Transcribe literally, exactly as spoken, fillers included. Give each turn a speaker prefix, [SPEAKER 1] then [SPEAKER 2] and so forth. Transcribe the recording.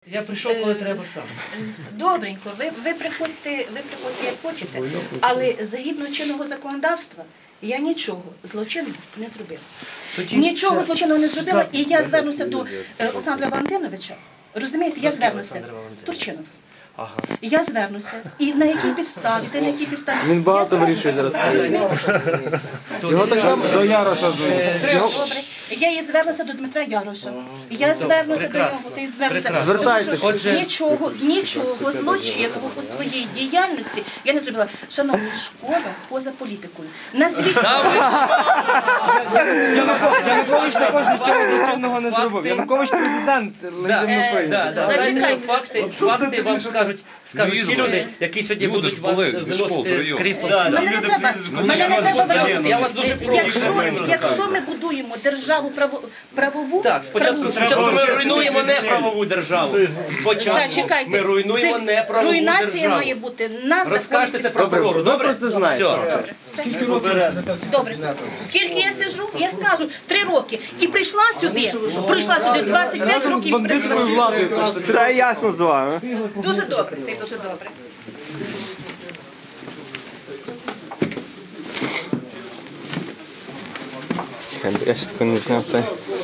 [SPEAKER 1] Я прийшов, коли треба сам.
[SPEAKER 2] Добренько, ви, ви, приходьте, ви приходьте як хочете, але згідно чинного законодавства я нічого злочинного не зробила.
[SPEAKER 1] Тоді
[SPEAKER 2] Нічого
[SPEAKER 1] це-
[SPEAKER 2] злочинного не зробила, і я
[SPEAKER 1] Запит.
[SPEAKER 2] звернуся до е, Олександра Валентиновича. Розумієте, я
[SPEAKER 1] До
[SPEAKER 2] звернуся.
[SPEAKER 1] Олександра Валентиновича.
[SPEAKER 2] Турчинов.
[SPEAKER 1] Ага.
[SPEAKER 2] Я звернуся. І на якій підставі, та на якій підставі.
[SPEAKER 3] Він багато
[SPEAKER 2] Я
[SPEAKER 3] вирішує зараз.
[SPEAKER 2] Розумієте?
[SPEAKER 3] Його так само до Яроша звуть. Його-
[SPEAKER 2] Добре. Я і звернуся до Дмитра Яроша. Я звернуся до
[SPEAKER 1] прекрасно.
[SPEAKER 2] нього, та й звернуся.
[SPEAKER 1] Прекрасно.
[SPEAKER 3] Звертайтеся.
[SPEAKER 2] Тому що
[SPEAKER 1] Отже-
[SPEAKER 2] Нічого, нічого злочинного у своїй діяльності я не зробила. Шановні, школа поза політикою. Назвіть
[SPEAKER 3] Янукович також нічого злочинного не зробив.
[SPEAKER 1] Факти.
[SPEAKER 3] Янукович президент
[SPEAKER 1] Да,
[SPEAKER 3] легітимно
[SPEAKER 1] да, да. Знаєте, що
[SPEAKER 2] Зачекайте.
[SPEAKER 1] факти, факти вам скажуть, скажуть ті люди, які сьогодні будуть вас виносити з крісла.
[SPEAKER 2] Мене не треба, мене не треба виносити.
[SPEAKER 1] Я вас дуже прошу.
[SPEAKER 2] Якщо, якщо ми будуємо державу право, правову,
[SPEAKER 1] Так, спочатку,
[SPEAKER 2] правову-
[SPEAKER 1] спочатку ми руйнуємо неправову державу. Спочатку
[SPEAKER 2] Зачекайте,
[SPEAKER 1] ми руйнуємо
[SPEAKER 2] це
[SPEAKER 1] неправову
[SPEAKER 2] руйнація
[SPEAKER 1] державу.
[SPEAKER 2] має бути на
[SPEAKER 1] Розкажете
[SPEAKER 2] законних
[SPEAKER 1] це
[SPEAKER 2] підставах.
[SPEAKER 1] прокурору, добре?
[SPEAKER 3] Ви про це знаєте.
[SPEAKER 1] Все.
[SPEAKER 2] Добре, все. Добре. Скільки я сиджу, я скажу, три роки. І прийшла сюди, прийшла сюди двадцять п'ять
[SPEAKER 3] з
[SPEAKER 2] років.
[SPEAKER 3] бандитською
[SPEAKER 2] працювала.
[SPEAKER 3] владою. Все ясно з вами.
[SPEAKER 2] Дуже добре, ти дуже добре.
[SPEAKER 3] Я ще таки не зняв це.